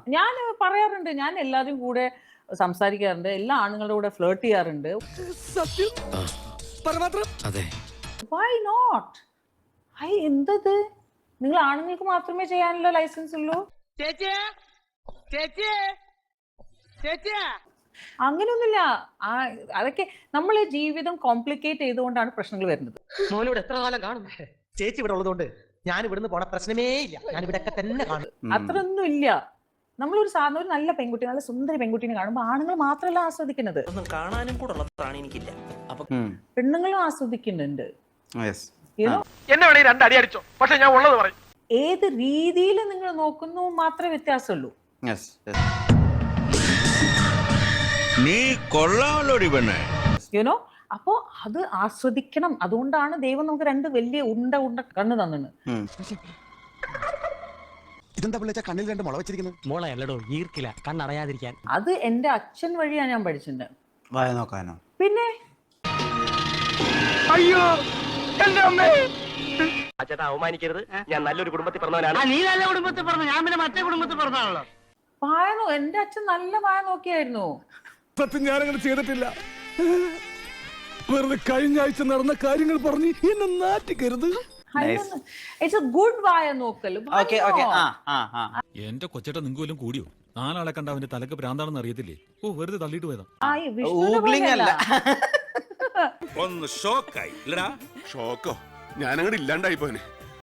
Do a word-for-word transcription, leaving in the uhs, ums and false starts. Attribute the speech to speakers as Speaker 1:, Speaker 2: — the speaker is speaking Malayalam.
Speaker 1: ഞാൻ പറയാറുണ്ട്, ഞാൻ എല്ലാവരും കൂടെ സംസാരിക്കാറുണ്ട്, എല്ലാ ആണുങ്ങളുടെ കൂടെ ഫ്ലേർട്ട് ചെയ്യാറുണ്ട്.
Speaker 2: സത്യം അതെ.
Speaker 1: Why not? ഐ എന്തത്? നിങ്ങൾ ആണുങ്ങൾക്ക് മാത്രമേ ചെയ്യാനുള്ള ലൈസൻസ് ഉള്ളൂ? അങ്ങനെയൊന്നുമില്ല. ആ അതൊക്കെ നമ്മൾ ജീവിതം കോംപ്ലിക്കേറ്റ് ചെയ്തുകൊണ്ടാണ് പ്രശ്നങ്ങൾ വരുന്നത്.
Speaker 3: മോനോട് എത്ര കാലം കാണും? ചേച്ചി ഇവിടെ ഉള്ളതുകൊണ്ട് ഞാൻ ഇവിടുന്ന് പോണ പ്രശ്നമേ ഇല്ല. ഞാൻ ഇവിടെ ഒക്കെ തന്നെ കാണും.
Speaker 1: അത്രയൊന്നും ഇല്ല. നമ്മളൊരു സാധാരണ ഒരു നല്ല പെൺകുട്ടി, നല്ല സുന്ദരി പെൺകുട്ടിനെ കാണുമ്പോൾ ആണുങ്ങൾ മാത്രമല്ല ആസ്വദിക്കുന്നത്,
Speaker 3: കാണാനും കൂടെ ഉള്ള പ്രാണി എനിക്കില്ല. അപ്പൊ
Speaker 1: പെണ്ണുങ്ങളും ആസ്വദിക്കുന്നുണ്ട്.
Speaker 4: എന്നെ വേണേ രണ്ടടി അടിച്ചോ, പക്ഷെ ഞാൻ ഉള്ളത് പറയും.
Speaker 1: ഏത് രീതിയിൽ നിങ്ങൾ നോക്കുന്നു മാത്രമേ വ്യത്യാസമുള്ളൂ.
Speaker 5: നീ കൊള്ളാമല്ലോടി പെണ്ണേ.
Speaker 1: യുനോ, അപ്പോ അത് ആസ്വദിക്കണം. അതുകൊണ്ടാണ് ദൈവം നമുക്ക് രണ്ട് വലിയ ഉണ്ട ഉണ്ട കണ്ണ് തന്നത്.
Speaker 2: ഇതെന്താ പിള്ളേച്ച കണ്ണിൽ രണ്ട് മുള വെച്ചിരിക്കുന്നത്?
Speaker 3: മോളല്ലടോ, ഈർക്കില്ല, കണ്ണടയാതിരിക്കാൻ.
Speaker 1: അത് എന്റെ അച്ഛൻ വഴിയാണ് ഞാൻ പഠിച്ചിട്ടുണ്ട്.
Speaker 6: വായ നോക്കാനോ?
Speaker 1: പിന്നെ
Speaker 4: അയ്യോ എന്റെ അമ്മേ.
Speaker 3: ചേട്ടാ അവമാനിക്കരുത്, ഞാൻ നല്ലൊരു കുടുംബത്തിൽ പറഞ്ഞവനാണ്.
Speaker 4: നീ നല്ല കുടുംബത്തിൽ പറഞ്ഞു, ഞാൻ പിന്നെ മറ്റേ കുടുംബത്തിൽ പറഞ്ഞാണല്ലോ.
Speaker 1: വായനോ, എന്റെ അച്ഛൻ നല്ല വായ നോക്കിയായിരുന്നു.
Speaker 2: സത്യം ഞാനങ്ങനെ ചെയ്തിട്ടില്ല. വെറുതെ കഴിഞ്ഞ ആഴ്ച നടന്ന കാര്യങ്ങൾ പറഞ്ഞ് എന്നെ നാറ്റിക്കരുത്.
Speaker 1: ഇറ്റ്സ് എ ഗുഡ് വായ നോക്കൽ.
Speaker 7: എന്റെ കൊച്ചേട്ട നിങ്ങൾക്ക് വല്ലതും കൂടിയോ? നാലാളെ കണ്ട അവന്റെ തലക്ക് ഭ്രാന്താണെന്ന് അറിയത്തില്ലേ? ഓ, വെറുതെ തള്ളിയിട്ട് പോയതാ.
Speaker 5: ഒന്ന് ഷോക്കായി.
Speaker 2: ഷോക്കോ? ഞാനങ്ങോട്ട് ഇല്ലാണ്ടായി പോനെ.